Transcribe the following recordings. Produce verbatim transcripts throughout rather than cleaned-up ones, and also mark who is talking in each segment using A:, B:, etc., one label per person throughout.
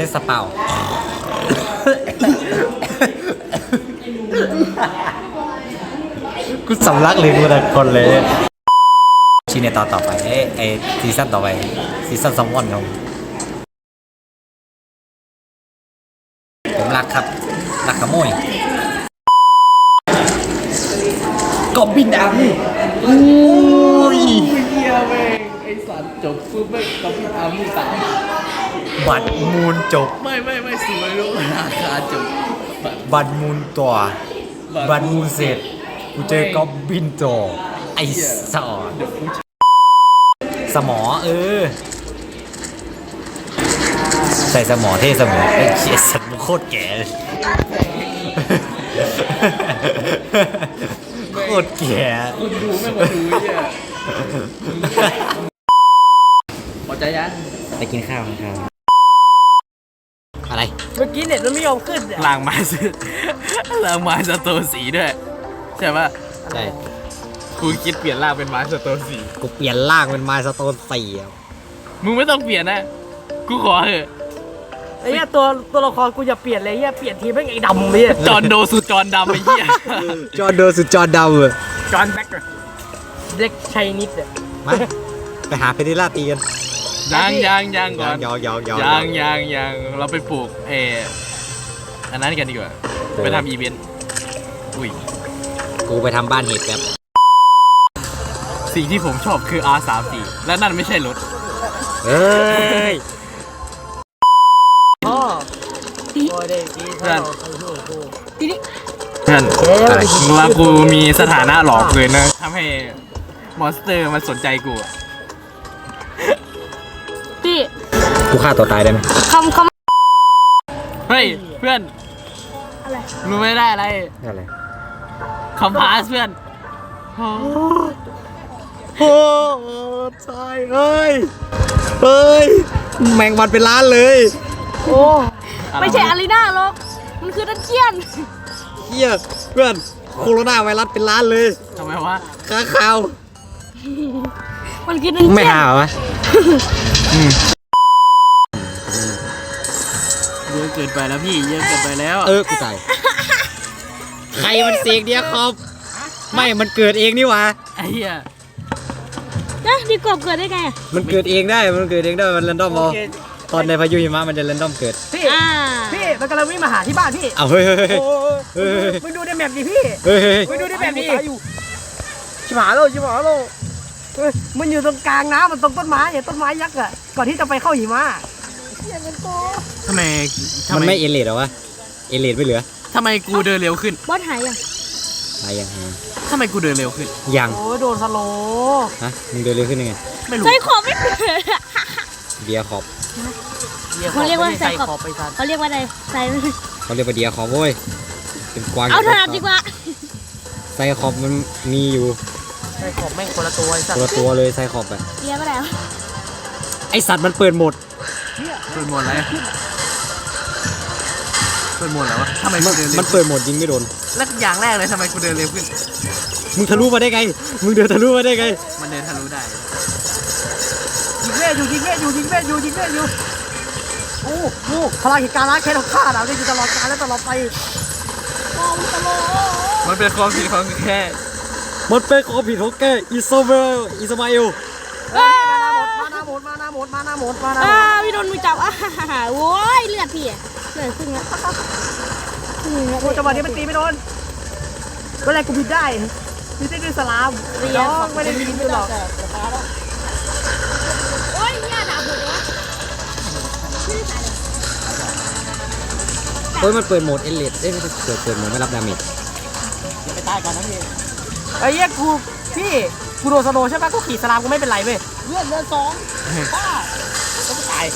A: สเปากูสำลักเลยกูแต่คนเลยชีเนต่อต่อไปเอ้ไอซีซั่นต่อไปซีซั่นซัมวอนครับผมรักครับรักขโมยกบบินดำอุ้ย
B: เฮียแม่งไอสัตว์จบปุ๊บแม่งก็พี่อาร์มี่สาม
A: บัตรมูลจบ
B: ไม่ไม่ไม่สวยรู้ราคาจบ
A: บัตรมูลตัวบัตรมูลเสร็จกูเจอกอบบินตัวไอ้สอดสมอเออใส่สมอเท่สมอไอ้เชี่ยสัตว์โคตรแก่โคตรแก่
B: คุณดูไม่มาดูเนี่ยพอใจยัง
A: ไปกินข้าวครับอะไร
C: เมื่อกี้เน็ตมันไม่ยอมขึ้น
B: ล้างไม้ซื้อล้างไม้สโตนสีด้วยใช่ป่ะ
A: ใช่
B: กูคิดเปลี่ยนร่างเป็นไม้สโตนสี
A: กูเปลี่ยนร่างเป็นไม้สโตนสี
B: มึงไม่ต้องเปลี่ยนนะกูขอเถอะ
C: ไอ้เหี้ยตัวตัวละครกูอย่าเปลี่ยนเลยเหี้ยเปลี่ยนทีไม่ไอ้ดำเลย
B: จอนโดสุดจอนดำไอ้เหี้ย
A: จอนโดสุดจอนดำเลย
C: จอนแบ็คเด็กชัยนิดเลย
A: มาไปหาเพดิล่าตีกัน
B: ยังยังยังก่อน
A: ยองยองยอง
B: ยังยังยังเราไปปลูกเอออันนั้นกันดีกว่าไปทำอีเวนต์อุ้ย
A: กูไปทำบ้านเห็ดแบบ
B: สิ่งที่ผมชอบคือ อาร์ สามสิบสี่ และนั่นไม่ใช่รถ
A: เฮ้ย
C: พ่อตี
B: เพื่อนตีนี่เพื่อนแล้วกูมีสถานะหลอกเลยนะทำให้มอนสเตอร์มันสนใจกู
C: พี่
A: กูฆ่าตัวตายได้ไหม
C: คำค
B: ำเฮ้ยเพื่อน
C: อะไร
B: รู้ไม่ได้อะไร
A: อะไร
B: คำพาสเพื่อน
A: โอ้ใช่เฮ้ยเฮ้ยแมงวันเป็นล้านเลย
C: โอ้ไม่ใช่อารีนาหรอกมันคือดันเจียน
A: เฮียเพื่อนโคโรนาไวรัสเป็นล้านเลย
B: ทำไมวะ
A: ข้าข่าว
C: มันคือดันเจียน
A: ไม่หาวะ
B: เยอะเกินไปแล้วพี่เยอะเกินไปแล้ว
A: เออกูตายใครมันเสกเดียครับไม่มันเกิดเองนี่วะ
B: ไอ้เหี้ย
C: นะดีกบเกิดได้ไง
A: มันเกิดเองได้มันเกิดเองได้มันเรนดอมเอาตอนในพายุหิมะมันจะเรนดอมเกิด
C: พี่พี่มันกำลังวิ่งมาหาที่บ้านพี่
A: เอาเฮ้ยเฮ้ยเฮ้ย
C: มึงดูในแมปดิพี่
A: เฮ้ยเฮ้ย
C: มึงดูในแมปดิชิบหายแล้วชิบหายแล้วมันอยู่ตรงกลางน้ำมันตรงต้นไม้เนี่ยต้นไม้ยักษ์อ่ะก่อนที่จะไปเข้าหิมะเสียงมันโต
B: ทำไม
A: มันไม่เอเลดหรอวะเอเลดไม่เหลือ
B: ทำไมกูเดินเร็วขึ้น
C: บอสหายยัง
A: หายยัง
B: ทำไมกูเดินเร็วขึ้น
A: ยัง
C: โอ้โดนสโล
A: ฮะมึงเดินเร็วขึ้นยังไง
B: ไม่รู้
C: ใส่ขอบไม่
A: เดียขอบ
C: เขาเรียกว่าใส่ขอบเขาเรียกว่าอะไรใส่
A: เขาเรียกว่าเดียขอบโว้ยเป็นกวาง
C: เอาถนัดดีกว่า
A: ใส่ขอบมันมีอยู่
C: ใส่ขอบแม่งคนละตัวไอ้สัตว์
A: คนละตัวเลยใส่ขอบแบบ
C: เดียไปแล้ว
A: ไอสัตว์มันเปิดหมด
B: เปิดหมดอะไรเปิดหมดแล้ววะทำไม
A: มันมันเปิดหมดยิงไม่โดน
B: แล้วอย่างแรกเลยทำไมกูเดินเร็วขึ้น
A: มึงทะลุมาได้ไงมึงเดินทะลุมาได้ไง
B: มันเดินทะลุได้
C: ยิงเล่อยู่ยิงเล่อยู่ยิงเล่อยู่ยิงเล่อยู่โอ้โหพลังเหตุการณ์ล้างแค้นของข้าเราได้อยู่ตลอดกาลและตลอดไปมองตลอด
B: มันเป็นความผิดของแค่
A: มันเป็นความผิดของแกอิสมาเอลอิสมาเอล
C: มาหน้าหมดมาหน้าหมดมาหน้าหมดมาหน้าหมดอ่าพี่โดนมือจับอ่ะโว้ยเลือดพี่อ่ะเลือดขึ้นแล้วโอ้จังหวะนี้มันตีไม่โดนก็แรกกูบินได้บินได้ด้วยสลามน้องไม่ได้บินด้วยหรอกโอ้ยเนี่ยดาบหมดวะ
A: เฮ้ยมันเปิดโหมดเอเลดเอ้ยไม่ใช่เปิดเปิดโหมดไม่รับดาเมจ
C: อย่าไปตายก่อนนะพี่ไอ้เหี้ยกูพี่กูโดนสโลใช่ไหมกูขี่สลามกูไม่เป็นไรเว้ยเลือดเลือดสองบ้าก็ไม่ตาย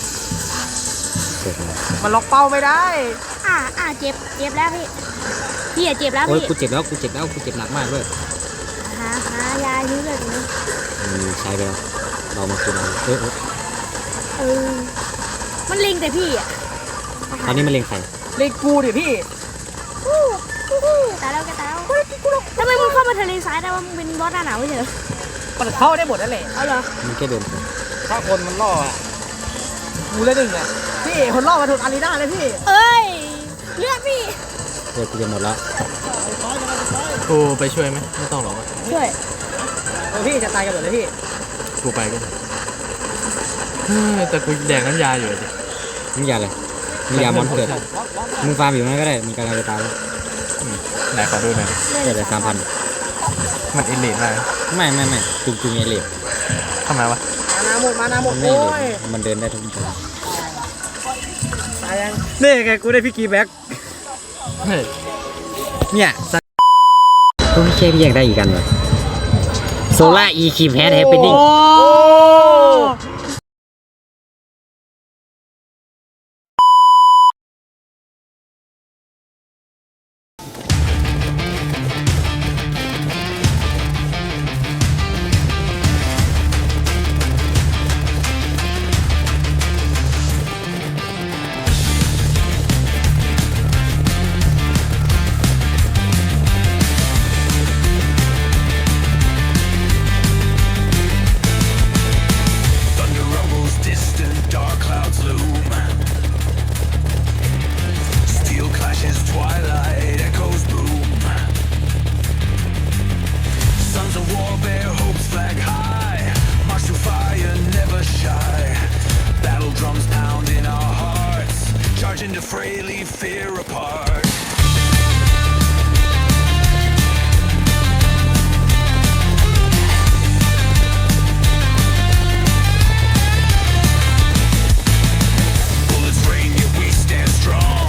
C: มันล็อกเป้าไม่ได้อ่าอ่าเจ็บเจ็บแล้วพี่พี่เจ็บแล้วพี่
A: โอ้ยกูเจ็บแล้วกูเจ็บแล้วกูเจ็บหนักมากเลย
C: หาหายายื้อเลยนี่
A: อืมใช่ไปแล้วเรามาคุยกันเออ
C: เออมันลิงแต่พี่อ่ะ
A: ตอนนี้มันเล็งใคร
C: เล็งกูดิพี่ตายแล้วแกตายแล้วทำไมมึงเข้ามาทะเลทรายได้ว่ามึงเป็นบอสหน้าหนาวไม่ใช่เหรอมันเข้าได้หมดนั่นแหละเอาเหรอ
A: มันแค่เดิน
C: ถ้าคนมันล่ออ่ะกูเลยหนึ่งอ่ะพี่พี่คนรอบมาถูกอารีนาเลยพี่เอ้ยเลือดพี่
A: เดี๋ยวกูจะหมดแล้ว
B: กูไปช่วยไหมไม่ต้องหรอก
C: ช่วยพี่จะตายกันหมดเลยพี่
B: กูไปก็ได้เฮ้ยแต่กูแดกน้ำยาอยู่ดิ
A: มึงอย่าเลยมึงอย่ามอนเกิดมึงฟาร์มอยู่นั่นก็ได้มีกำลังจะตายแล้ว
B: ไหนขอดูหน่อย
A: เกิดเลยสามพัน
B: มันอินเลดมาก
A: ไม่ไม่ไม่จุงจุงเอเลีย
B: ทำไมวะ
C: มานาหมดมานาหม
A: มั
C: ด
A: นไม่
C: โอ้
A: เอย มันเดินได้ทุกทาง
C: ตายยัง
A: นี่ไงกูได้พี่กีแบ็ก
B: เฮ้ย
A: เนี่ยก็ไม่ใช่พี่อยากได้อีกกันเลยโซล่าอีคีแพดแฮปปี้ดิ้ง
D: To frailly fear apart. Bullets rain, yet we stand strong.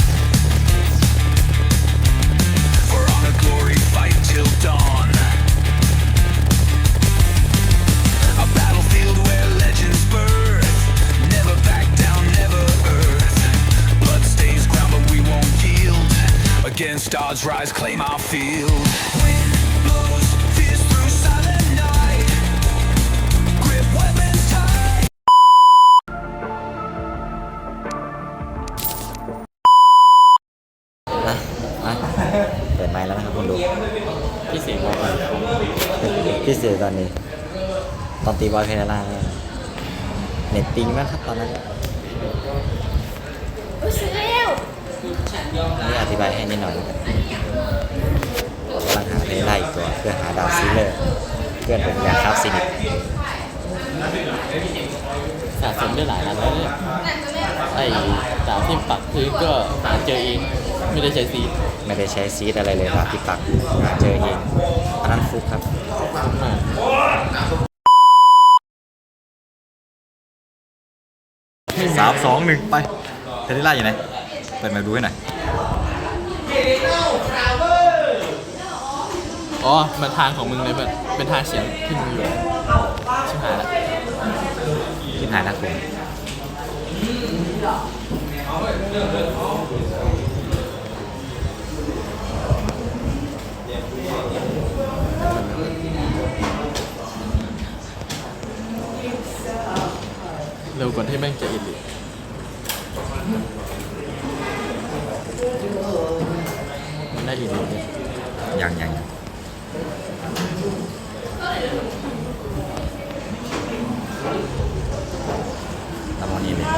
D: For honor, glory, fight till dawn. A battlefield where legends birth. Never back down, never earth. Blood stains ground, but we won't yield. Against odds, rise, claim our field. Wind blows, fierce through silent night. Grip weapons tight.
A: นะมาเปิดไมค์แล้วนะครับคุณดู
B: พี่เสียงบอกว่า
A: พี่เสือตอนนี้ ตอนตีบอลเพนล่าเน็ตปิงมากครับตอนนั้นนี่อธิบายให้นิดหน่อยแล้วกันกำลังหาเพนล่าอีกตัวเพื่อหาดาวซีเลอร์เพื่อนผมอยากครับซินิก
B: สะสมได้หลายอันแล้วเนี่ยไอ้ดาบที่ปักพื้นก็หาเจอเองไม่ได้ใช้ซีด
A: ไม่ได้ใช้ซีดอะไรเลยครับที่ปักหาเจอเองอันนั้นฟุกครับสามสองหนึ่งไปเพนล่าอยู่ไหนเปิดมาดูให้หน่อย
B: อ๋อมันทางของมึงเลยเพื่อนเป็นทางเสียงที่มึงอยู่ชิบหายละ
A: คิดหายนะคุณ
B: เร็วกว่าที่แม่งจะอินเลยมันได้อินเลย
A: ยังยังตามวันนี้เลย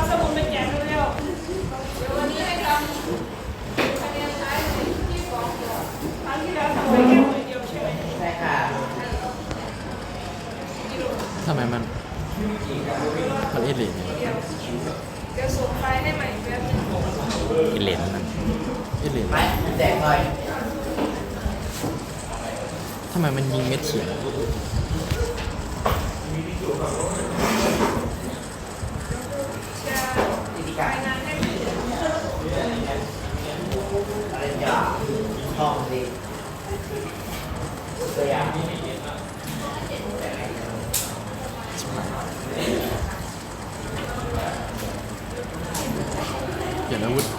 B: ทำไมมันมันอินเลยเนี่ย
A: กินเลนนั่น
B: อินเลยทำไมมันยิงเม็ดเฉียง เปลี่ยนอาวุธ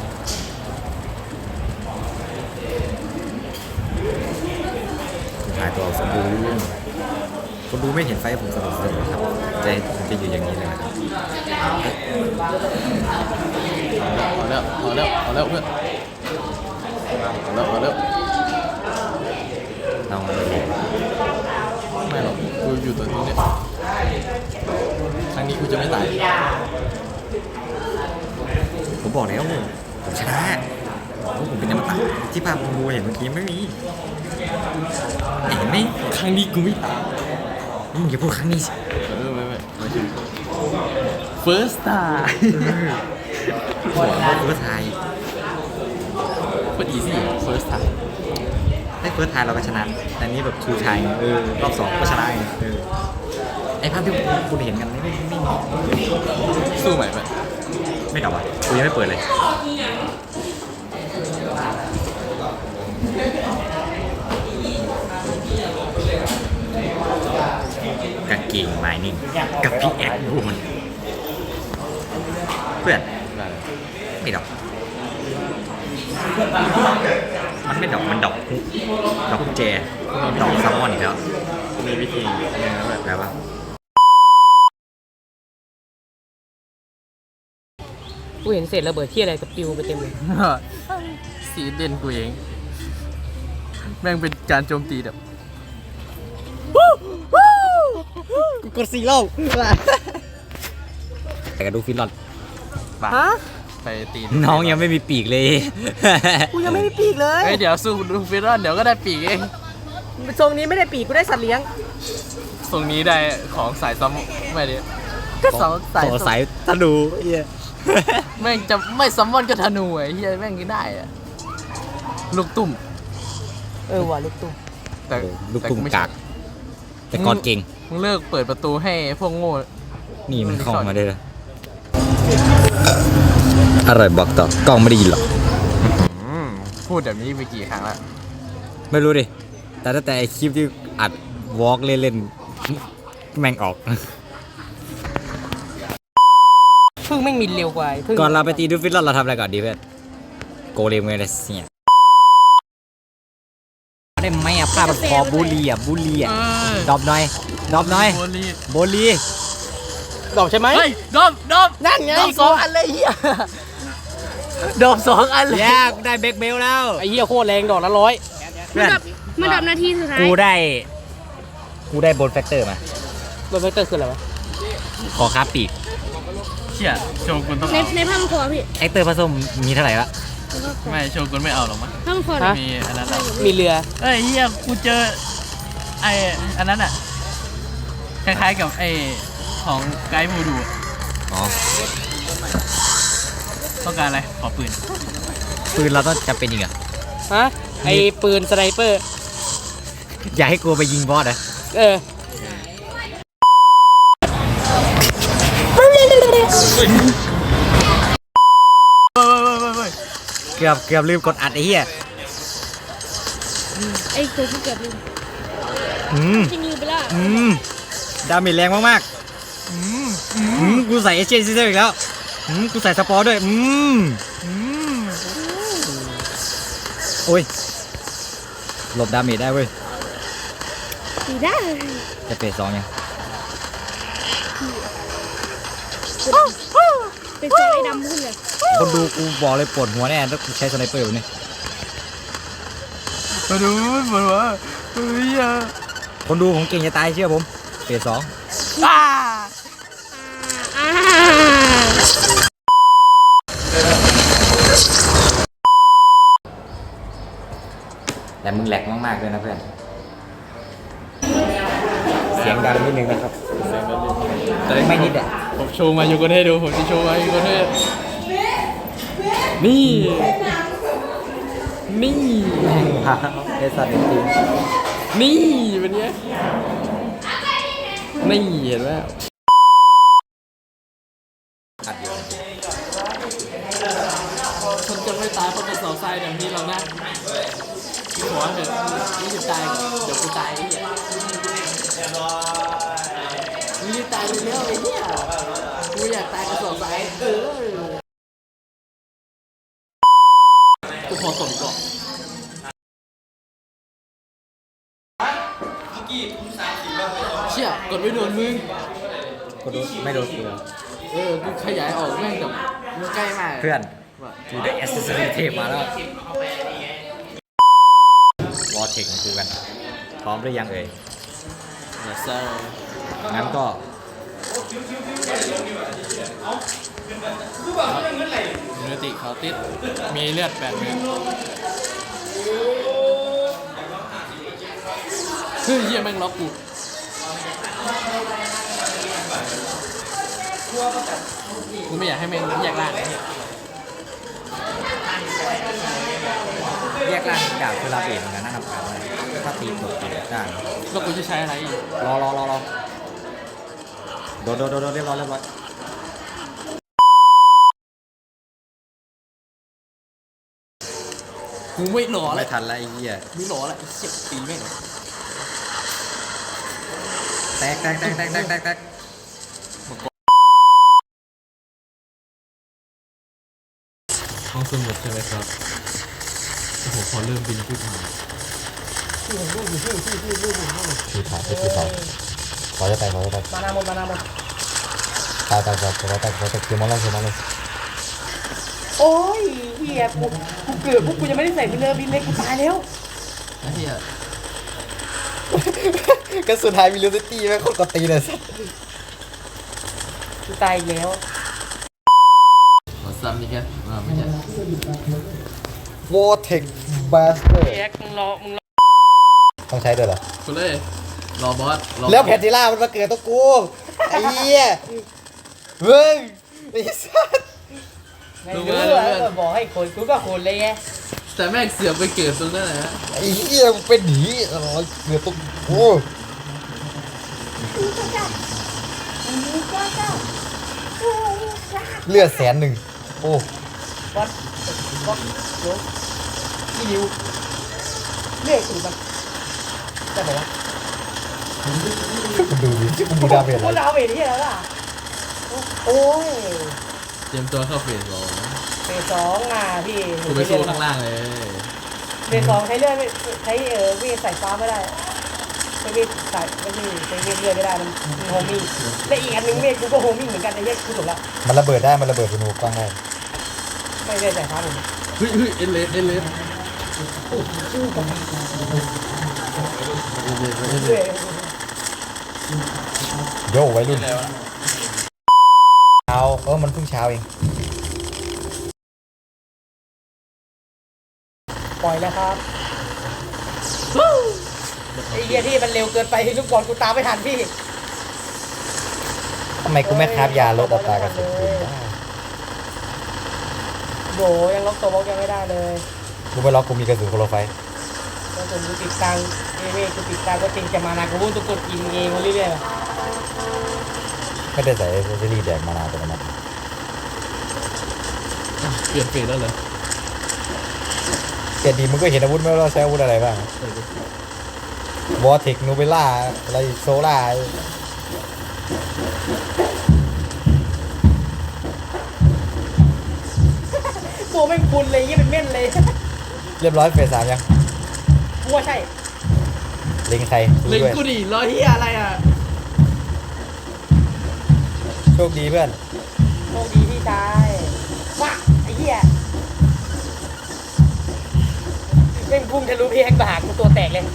A: หายตัวสมบูรณ์คนดูไม่เห็นไฟผมสนุกสนุกครับใจผมจะอยู่อย่างนี้เลยนะครับ
B: เอาแล้วเอาแล้วเอาแล้วเพื่อนเอาแล้วเอาแล้ว
A: เราไม่เห็น
B: ไม่หรอกกูอยู่ตรงนี้เนี่ยครั้งนี้กูจะไม่ตาย
A: ภาพกูเห็นเมื่อกี้ไม่มีเห็นไหม
B: ครั้งนี้กูไม่
A: มึงอย่าพูดครั้งนี้สิ
B: เออไม่ไม่ไม่ใช่ first time
A: หัวเฟิร์สไทย
B: โคตร easy first time
A: ได้เฟิร์สไทยเราก็ชนะแต่นี้แบบทูไทยเออรอบสองก็ชนะไงเออไอภาพที่คุณเห็นกันไม่ไม่ไม่มี
B: สู้ใหม่ไป
A: ไม่ดับอ่ะกูยังไม่เปิดเลยกางเกงไม้นิ่งกับพี่แอคบูนเพื่อนไม่ดอกมันไม่ดอกมันดอกฮุกดอกกุญแจดอกซัมมอนอีกแล้ว
B: มีวิธีเนี่ยแบบ
A: แปลว่า
C: กูเห็นเศษระเบิดที่อะไรกับปิวไปเต็มเลย
B: สีเด่นกูเอง แม่งเป็นการโจมตีแบบ
A: กูกดซีโร่แต่กระดูกฟินหลอด
B: บ้า
C: ฮะ
B: ไปตี
A: น้องยังไม่มีปีกเลย
C: กูยังไม่มีปีกเลย
B: เฮ้ยเดี๋ยวสู้ดูฟิรอนเดี๋ยวก็ได้ปีกเอง
C: ทรงนี้ไม่ได้ปีกกูได้สัตว์เลี้ยง
B: ทรงนี้ได้ของสายซ้ำไม่ดิก็สองสาย
A: ขอสายธนูเฮีย
B: แม่งจะไม่ซัมมอนก็ธนูไอ้เฮียแม่งก็ได้อะลูกตุ่ม
C: เออว่ะลูกตุ้ม
B: แต่
A: ลูกตุ้ม
B: แต่ไม่
A: กาก แต่ก่อนเก่ง
B: มึงเลิกเปิดประตูให้พวกโง่
A: นี่มันเข้ามาได้เลยอร่อยบอกต่อกล้องไม่ได้ยินหรอก
B: อืมพูดแบบนี้ไปกี่ครั้งแล้ว
A: ไม่รู้ดิ แต่ตั้งแต่ไอคลิปที่อัดวอล์กเล่นๆแม่งออก
C: พึ่งไม่มีเร็วกว่าพึ่ง
A: ก่อนเราไปตีดูฟิตเราทำอะไรก่อนดีเพื่อนโกเลมเมเลเซียได้ไหมอ่ะภาพมันพอบุรีอ่ะบุรีอ่ะดรอปหน่อยดรอปหน่อย
B: โบลี
A: โบลี
C: ดอกใช่ไหม
B: เฮ้ยดมดม
C: นั่นไง
B: ดมสองอันเลยเฮียดมสองอันเลย
A: แย่กูได้เบรกเบลแล้ว
C: ไอ้เหี้ยโคตรแรงดอกละร้อย
A: เพื่อน
E: มันดับนาทีสุดท้าย
A: กูได้ กูได้โบนแฟกเตอร์มา
C: โดนเวกเตอร์คืออะไรวะ
A: ขอค้าปีก
B: เชี่ยโชกุนต้อง
E: ใน
B: เอา
E: ในผ้าพันคอพี่
A: แอคเตอร์ผสมมีเท่าไหร่ละ
B: ไม่โชกุนไม่เอาหรอกมั้ง
E: ผ้าพันคอ
C: ฮะ
B: มีอันนั้นอะ
C: มีเรือ
B: เอ้ยเฮียกูเจอไออันนั้นอ่ะคล้ายๆกับไอของไกด์มูดูอะ
A: อ๋อ
B: ต้องการอะไรขอปืน
A: ปืนเราต้องจะเป็นอีกเหรอ
C: ฮะ ไอ้ปืนสไนเปอร์
A: อย่าให้กูไปยิงบอสนะ
C: เออ
B: เฮ้ยเฮ้ยเฮ้ยเฮ้ย
A: เกือบเกือบลืมกดอัดไอ้เหี้ย
E: ไอ้ตัวที่เกิดลืม
A: อืม
E: จริงลืมไปแล้ว
A: อืมดาเมจแรงมากๆอืมอืมกูใส่เอเชียนซิสเตอร์อีกแล้วอืมกูใส่สปอร์ด้วย อืมอืมโอ้ยหลบดาเมจได้เว้ย
E: ตีได้
A: จะเฟสสองยัง
E: เป็นเสือไอ้ดำขึ้นเลย
A: คนดูกูบอกเลยปวดหัวแน่ถ้ากูใช้สไนเปอร์แบบนี้
B: มาดูเหมือนว่าเฮ้ยอะ
A: คนดูผมเก่งจะตายเชื่อผมเฟสสอง
B: อ่า
E: อ่า
A: แต่มึงแหลกมากๆเลยนะเพื่อน เสียงดังนิดนึงนะครับไม่นิดอ่ะ
B: ผมโชว์มาอยู่กันให้ดูผมจะโชว์มาอยู่กันให้นี่นี่
A: เอสัตว์จริง
B: นี่เป็นไงนี่เห็นไหมคนจะไม่ตายเพราะเป็นเสาทรายแบบนี้หรอกนะขอเถอะไม่จะตายเดี๋ยวกูตายไอ้เหี้ยมึงจะตายไปแล้วไอ้เหี้ยกูอยากตายกับเสาทรายเออกูขอตบก่อนเชี่ยกดไม่โดนมึง
A: ๆกูดูไม่โดนกู
B: เออกูขยายออกแม่งแบบมันใกล้มาก
A: เพื่อนกูได้แอสเซสซอรี่เทปมาแล้ววอเทคของกูกัน พร้อมหรือยังเอ่ย
B: เดี๋ยวเซอร์
A: งั้นก็
B: มิวติเขาติด มีเลือดแปดเม็ดเฮ้ยเหี้ยแม่งล็อกกูกูไม่อยากให้แม่งแยกล่างไอ้เหี้ย
A: แยกล่างดาบคือลาเบสเหมือนกันนะครับถ้าตีตกตีได้
B: แล้วกูจะใช้อะไรอีก
A: รอรอรอรอโดนโดนโดนเรียบร้อยเรียบร้อย
B: กูไม่หล่อเล
A: ไม่
B: ย
A: ทันแล้วไอ้เหี้ย
B: ไม่หล่อเลยเจ็บตีแม่ง
A: แตกแตกแตกแตกแตกแตกแตก
B: ห้องสมุดใช่ไหมครับโอ้โหพอเริ่มบินขึ้นมา
A: คือถ่ายคือถ่ายขอจะแตกขอจะแตก
C: มานาหมดมานาหมด
A: ตายตายตายขอแตกขอแตกเกี่ยวมอลล์เกี่ยวมอลล์
C: โอ้ยเฮียกูกูเกือบพวกกูยังไม่ได้ใส่บินเลยบินเลยกูตายแล้ว
B: ไอ้เหี้ย
A: ก็สุดท้ายมีลูซิตี้แม่งโคตรกดตีเลยสัส
C: กูตายอีกแล้ว
B: ขอซ้ำนี่แกอ่าไม่ใช่
A: วอเทคบาสเตอร์
C: แอ๊กมึงรอมึงรอ
A: ต้องใช้ด้วยเหรอ
B: คุณเลยรอบอสรอ
A: แล้วแพนติล่ามันมาเกิดตัวกูไอ้เหี้ยเฮ้ยไอ้สัส
C: ไม่รู้อะบอกให้คนกูก็คนเลยไง
B: แต่แม่งเสือกไปเกิดตรงนั้นแหละ
A: ไอ้เหี้ยมันเป็นหนีอะไรเกิดตัวกูเลือดแสนหนึ่งโอ้
C: วัดวัดโยกี่นิ้วเลือดสูงมันจะบอกว่า
A: คุณดูดิที่คุณดูดาเมจ
C: กู
A: อะไร
C: ดาวเวทที่แล้วล่ะโอ้ย
B: เตรียมตัวเข้าเฟสสอง
C: เฟสสองอ่ะพี่
B: กูไปสู้ข้างล่างเลย
C: เฟสสองใช้เลือดใช้เออเวทใส่ฟ้าไม่ได้ใช้เวทใส่ไม่ใช่ใช้เวทเลือดไม่ได้มันมีโฮมิ่งและอีกอันหนึงเวทกูก็โฮมิ่งเหมือนกันไอ้เหี้ยกูถูกละ
A: มันระเบิดได้มันระเบิดเป็นหูกล้องได้
C: ไม่เวทใส่ฟ้าผม
B: เฮ้ยเฮ้ยเอเลสเอเลส
C: เวท
A: โย่ไว้รุ่นเช้าเออมันเพิ่งเช้าเอง
C: ปล่อยแล้วครับไอ้เหี้ยที่มันเร็วเกินไปลูกบอลกูตามไม่ทันพี่
A: ทำไมกูไม่คราบยาลดอัตรากระสุนปืนได้
C: โหยังล็อกตัวบล็อกยังไม่ได้เลย
A: กูไปล็อกกูมีกระสุนโคโลไฟ
C: แล้วผมกูติดตังเอเว่กูติดตังก็จริงจะมานากูวุ่นตุกกดกินเองมาเรื่อยๆ
A: ไม่ได้ใส่เอเซอรี่แดกมานานตัวนั้น
B: เปลี่ยนเฟสแล้วเหรอ
A: เกียรดีมึงก็เห็นอาวุธไหมว่าเราใช้อาวุธอะไรบ้างวอเทคนูเบล่าอะไรโซล่า
C: ตัวไม่คุณเลยยี่เป็นเม่นเลย
A: เรียบร้อยเฟสสามยัง
C: กูว่าใช่
A: เล็งใครดู
B: เล็ง
A: ด้วย
B: กูดิรอเฮียอะไรอ่ะ
A: โชคดีเพื่อน
C: โชคดีพี่ชายว้าไอ้เหี้ยเม่งพุ่งทะลุพี่แฮกบากูตัวแตกเลย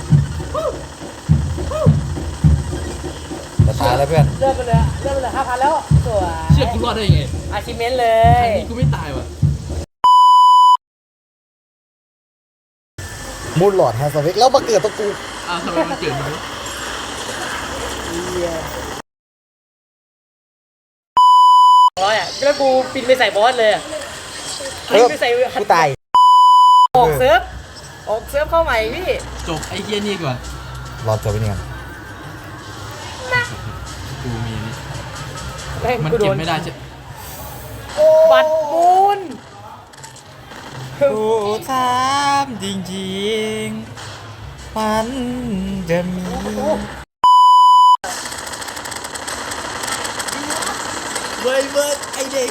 A: จะตายแล้วเพื่อน
C: เริ่มไปเลยเริ่มไปเลยห้าพันแล้วสวย
B: เชื่อกูรอดได้ยังไง
C: อาชิเมนเล
B: ครั้
C: ย
B: งนี้กูไม่ตายว่ะ
A: มูลหลอดแฮสวิกแล้วมาเกิดตัวกู
B: อ้าวทำไมมันเกิดอย่างนี้
C: ร้อยอ่ะแล้วกูปินไปใส่บอสเลยอ่ะ
A: เอ
C: ปิน
A: อ
C: ไปใส่
A: กูตาย
C: ออกเซิร์ฟออกเซิร์ฟเข้าใหม่พี่
B: จบไอ้เฮียนี่ก่อน
A: รอตัวไปนี่ก่อน
B: กูมีนี่
C: แม่ง
B: มัน
C: กูโด
B: เก็บ
C: น
B: ไม่ได้ใช่
C: บัตรมูล
A: กูถามจริงๆมันจะมีเว้ยเว้ยไอเด็ก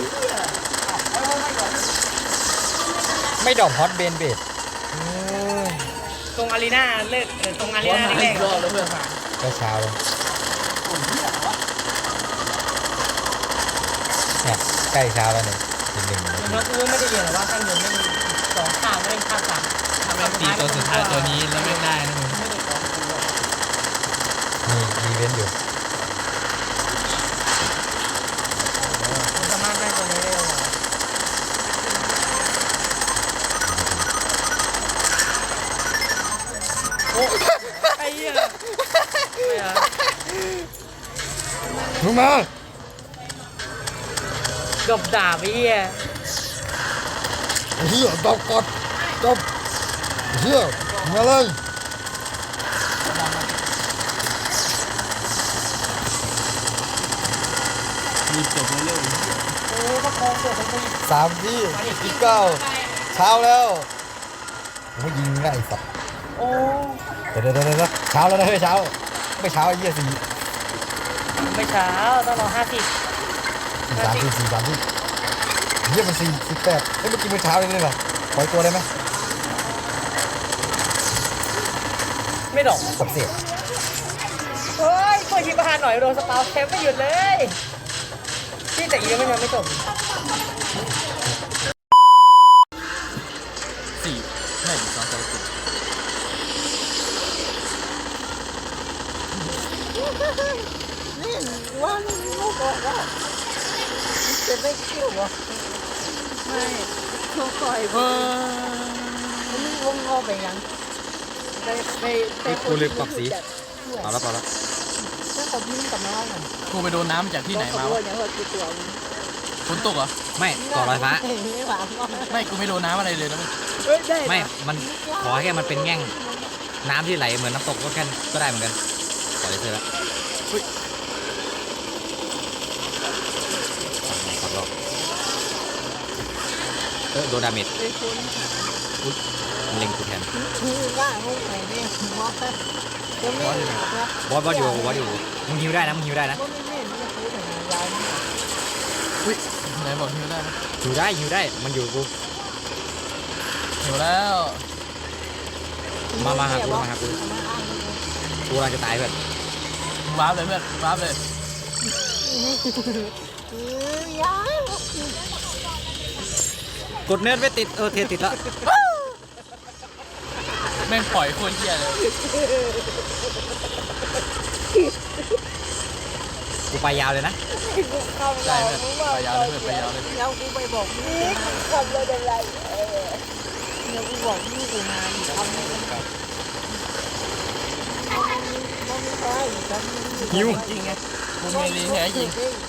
A: ไม่ดอกฮอตเบนเบด
C: ตรงอารีนาเลิกเออตรงอารี
B: ว่า
C: นา
B: หา
C: แร
B: อี
C: ก
B: กรอบแล้วเพื่อน
A: ก็เช้าเลยเนี่ยใกล้เช้าแล้วเนี่ยอีกหนึ่งนาที
C: ๆแล้วกูไม่ได้เรียนหรอว่าข้างบนไม่มีสองข้าวไม่ได้ข้าวสาม
B: ถ้าแม่งตีตัวสุดท้ายตัวนี้แล้วแม่งได้นะมึง
C: ไม่ได้ของกูอะ
A: มีอีเวนต์อยู่
C: กูสามารถได้ตัวนี้ได้เลย
A: มึงมา
B: กับดาบไอ้เหี้ย
A: เฮียตบกดตบเฮียมาเลยสามที่อีกเก้าเช้าแล้วไม่ยิงง่ายสัตว์เดี๋ยวเดี๋ยวเดี๋ยวเดี๋ยวเช้าแล้วนะเฮ้ยเช้าไม่เช้าไอ้เหี้ยสี่
B: ไม่เช้าต้องรอห้าสิบ
A: สี่สามสี่สี่สามสี่เหี้ยมันสี่สิบแปดเฮ้ยเมื่อกี้มันเช้าเลยเลยเหรอปล่อยตัวได้ไหม
B: ไม่ดอก
A: สับเสีย
B: เฮ้ยเปิดยิงประหารหน่อยโดนสปาวเทปไม่หยุดเลยที่แต่อียังไม่ยังไม่จบสี่ไม่สองสองสี่
C: นี่ว่าลูกบอกว่าจะไม่คิวหรอไม่เขาปล่อยไปนี่วงงอไปยังไปไปไป
A: กูเลยปักสีเอาละเอาละ
C: ถ้าเขาพิ้งกับน้องอ่ะ
B: กูไปโดนน้ำจากที่ไหนมา
C: เขา
B: วะ
C: อย่างว่ากูตัว
B: ฝนตกเหรอ
A: ไม่ต่อลอยฟ้า
C: ไม่หวานก็
B: ไม่กูไม่โดนน้ำอะไรเลยนะมึง
C: เฮ้ยได้
A: ไม่มันขอแค่มันเป็นแง่งน้ำที่ไหลเหมือนน้ำตกก็แค่ก็ได้เหมือนกันขอเลยเถอะละขอรอบเออโดนดาเมจอุ๊ยมันเล็งกูแทน
C: คือว่าห้องไหนเนี่ยมอสยังไม่นะ
A: บอสบอสอยู่บอสอยู่มึงฮิวได้นะมึงฮิวได้นะ
C: ก็ไม่เห็นจะพูดถึงยาย
B: อุ้ยไหนบอกหิวได้นะ
A: ฮิวได้ฮิวได้มันอยู่กู
B: หิวแล้ว
A: มามาหากูมาหากูกูกำลังจะตายเพื่อน
B: วาร์ปเลยเพื่อนวาร์ปเลย
C: คือยาย
A: กดเนิร์ดไม่ติดเออเทติดแล้ว
B: แม่งปล่อยโคตรเหี้ยเลย
A: กูไปยาวเลยนะ
B: ได้เพื่อนไปยาวเลยเพื่อนไปยาวเลย
C: เดี๋ยวกูไปบอกนี่ทำเลยเป็นไรเดี๋ยวกูบอกนี่กูงานทำเลยเป็นไรมันไม่ใช่ทำ
A: ฮิว
B: จริงไงกูมีรีแท้ยิง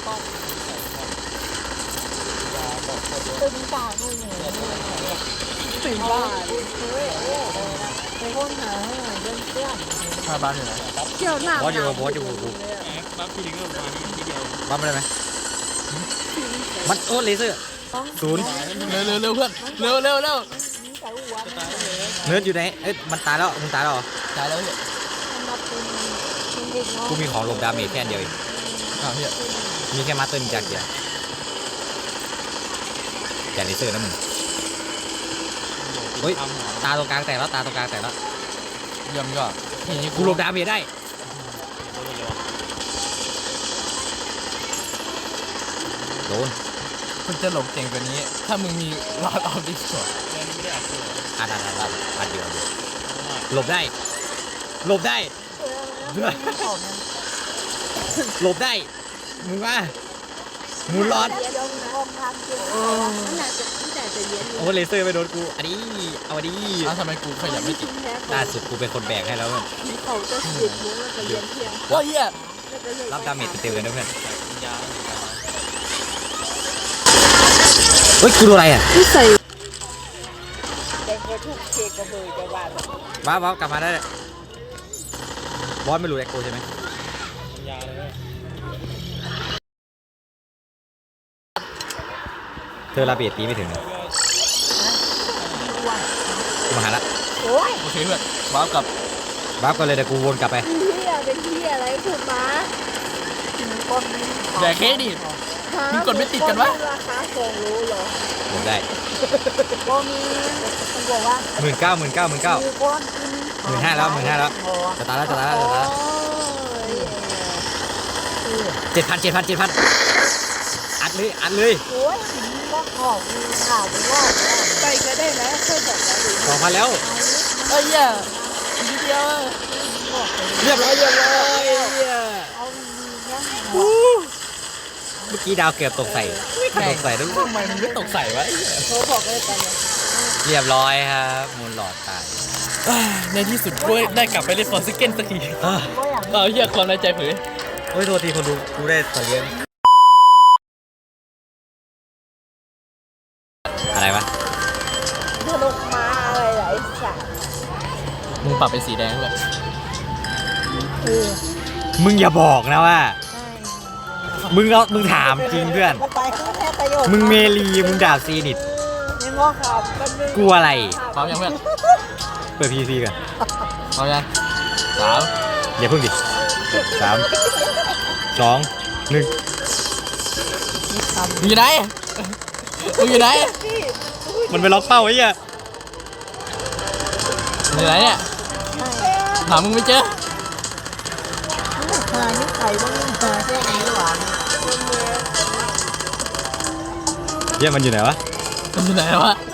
C: ตึงปากกูเนี่ยตึงปากไปค้นหาให้หน่อยเรื่องเพื่อน
B: พาบ้านอยู่ไหน
C: เที่ยวหน้า
A: บอสอยู่บอสอยู่กูบัฟไม่ได้ไหมมันโอ้เลเซอร์ศูนย์
B: เร็วเร็วเร็วเพื่อนเร็วเร็วเร็ว
C: แต่หัวมัน
A: เนิร์ดอยู่ไหนเอ้ยมันตายแล้วมึงตายแล้วเหรอ
B: ตายแล้วเพื่อน
C: มาเป็นเป็นเด็กน้อง
A: กูมีของหลบดาเมจแค่อันเดียวเอง
B: อ้าวเฮีย
A: มีแค่มาสเตอร์นินจาเกียร์อย่าเลเซอร์นะมึงเฮ้ยตาตรงกลางแตกแล้วตาตรงกลางแตกแล้ว
B: เยี่ยมยอดอย่างนี้
A: กูหลบดาเมจได้โดน
B: คุณจะหลบเก่งกว่านี้ ถ้ามึงมีรอดออฟดิสก์
A: อัดอัดอัดอัดอัดเดียวเดียวหลบได้หลบได้หลบได้มึงว่ามูลอด
C: เดี๋ยวห้องทางเจอมันน่าจะที่แต่จะเย็น
A: โอ้เลเซอร์ไปโดนกูอันนี้เอาอันนี้
B: อ้าวทำไมกูขยับไม่ติด
A: ล่าสุดกูเป็นคนแบกให้แล้วเพื่อน
C: เขาจะสิบโมงแล้วจะเย็นเที่ยง
B: ว้าเฮีย
A: รับดาเมจเต็มๆเลยนะเพื่อนเฮ้ยกูโดนอะไรอ่ะ
C: ที่ใส่แต่ก็ทุกเคกระเบยจะว่า
A: ว้าวว้าวกลับมาได้เลยบอสไม่รู้แอคโกใช่ไหมเธอระเบียดตีไม่ถึงเลยกูมาหาละ
C: โอ้ย
B: โอเคเพื่อนว้าวกับ
A: ว้าวก็เลยแต่กูวนกลับไป
C: เที่ยเป็นเที่ยอะไรพูดมาคน
B: แดกเค้กดิ มึงกดไม่ติดกันวะ
C: ราคาสองรู้เหรอ
A: ผมได้
C: ก็มีมันบอกว่า
A: หมื่นเก้าหมื่นเก้าหมื่นเก้า
C: มีคนกิน
A: หมื่นห้าแล้วหมื่นห้าแล้วจะตายแล้วจะตายแล้วจะตายแล้วเจ็ดพันเจ็ดพันเจ็ดพันอัดเลยอัดเลย
C: โอ้ยก็ขอบมีข่าวว่าไปก็ได้นะเคยบอกแล้ว
A: สองพันแล้ว
B: เอ้ยเฮียนิดเดียว
A: เรียบร้อยเรียบร้อยเหี้ย
C: เอามีเนี่ย
A: เมื่อกี้ดาวเกือบตกใส่ตกใส่ด้วย
B: ทำไมมึงไม่ตกใส่วะไอ้เหี้ย
C: เขาบอกเลยกันเนี่ย
A: เรียบร้อยครับมูลหลอดตาย
B: อ่าในที่สุดกูได้กลับไปเล่นฟอร์ซิเกนสักที
A: เอ้อ
C: ก็อย่าง
B: เอาเฮียความในใจเผย
A: โอ้ยโทษทีคนดูกูได้สัตว์เลี้ยงอะไรวะ
C: ลงมาอะไรหลายสัตว์
B: มึงปรับเป็นสีแดงเลย
A: มึงอย่าบอกนะว่า มึงเอามึงถามจริงเพื่อน
C: ไปข้างแค่ประโยชน์
A: มึงเมลีมึงดาบซีนิด
C: นี่ง้อครับมันนึง
A: กลัวอะไร
B: พร้อมยังเพื่อน
A: เปิดพีซีกัน
B: พร้อมยังสาม
A: อย่าเพิ่งดิสามสองหนึ่ง
B: มึงอยู่ไหนมึงอยู่ไหน
A: มันไปล็อกเป้าไอ้เหี้ย
B: มึงอยู่ไหนเนี่ยหามึงไม่เจอ
C: หานี่ไข่ต้องหาแค่นี้หวาน
A: เหี้ยมันอยู่ไหนวะ
B: มันอยู่ไหนวะ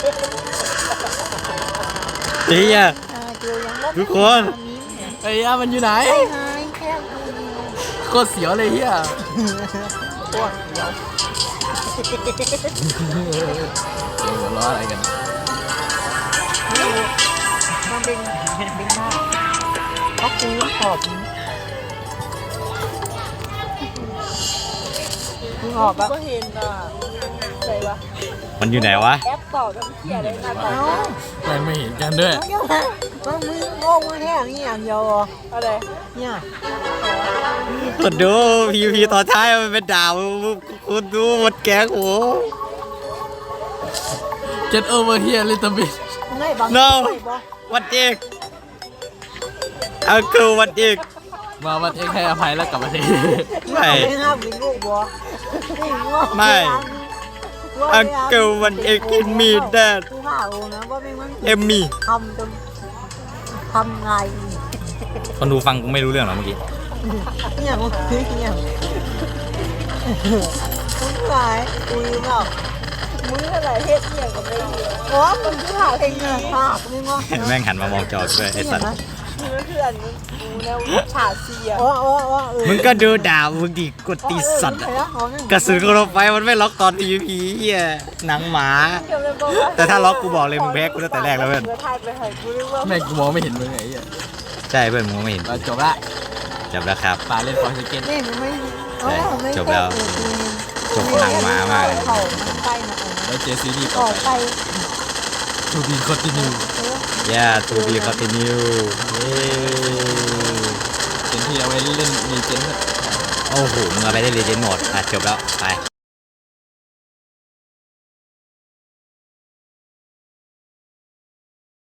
A: เฮีย
C: หาเจอยังลบ
A: ทุกคน
B: ไอ้ยามันอยู่ไหน
C: หายแค่
B: โคตรเสียวเลยเฮีย
C: ปวดเดียว
B: เสียงหัวเราะอะไรกัน
C: มันเป็นเป็นหน้าเขาคูขอบมึงออกปะก็เห็นอ่ะใส่ปะ
A: มันอยู่ไหนวะ
C: แอปต่อกับเขียอะไรมาต่อ
B: แม่งไม่เห็นกันด้วย
C: มันมือโง่มาแค่นี้อย่างเดียวอะไรเนี่ย
A: กดดูพีพีตอนท้ายมันเป็นดาวคุณดูหมดแก๊งโห
B: Get over here little bit
C: ไม่บาง
A: no วัดอีกเอาคือวัดอีก
B: มาวันเองให้อภัยแล้วกลับมาที
A: ไม่
C: ไม่ห้ามเป็นลูกบัว
A: ไม่อังเกิลวันเอกกินมีแดด
C: กูห่าวนะว่าไม่มัน
A: เอมมี่
C: ทำจนทำไง
A: คนดูฟังกูไม่รู้เรื่องหรอเมื่อกี้
C: เนี่ยมึงเนี่ยมึงหายกูยืมหรอกมึงอะไรเฮ็ดเนี่ยกับไม่ดีโอ้มึงคือหาเพลงเนี่ยภาพมึงงอ
A: แม่งหันมามองจอด้วยไอ้สัตว์
C: มึงคืออันมึงแล้วฉาเสียโอ้โอ้โอ้เออ
A: มึงก็ดูดาวมึงดิกดตีสัตว์อะกระสุนกระไฟมันไม่ล็อกตอนพีพีเฮียหนังหมา แต่ถ้าล็อกกูบอกเลยมึงแพ้กูตั้งแต่แรกแล้วเพื่อน
B: แม่งกูมองไม่เห็นมึงไงไอ้เหี้ย
A: ใช่เพื่อนมึงไม่เห็น
B: เราจบละ
A: จบแล้วครับ
B: ปาเล่นฟอร์สเกน
C: นี่มันไม่
A: จบแล้ว จบหนังหมามากเลย
C: เขาไปนะ
B: แล้วเจอซีรีส์
C: อ
B: ต่อ
C: อก
B: ไป
C: ไป
B: ทูบีคอนติเนีย
A: ย่าทูบีคอนติเนียเย้
B: เป็นที่เอาไว้เล่นมีเจน
A: โอ้โหมึงเอาไปได้เลเจนด์โหมดอ่ะจบแล้วไป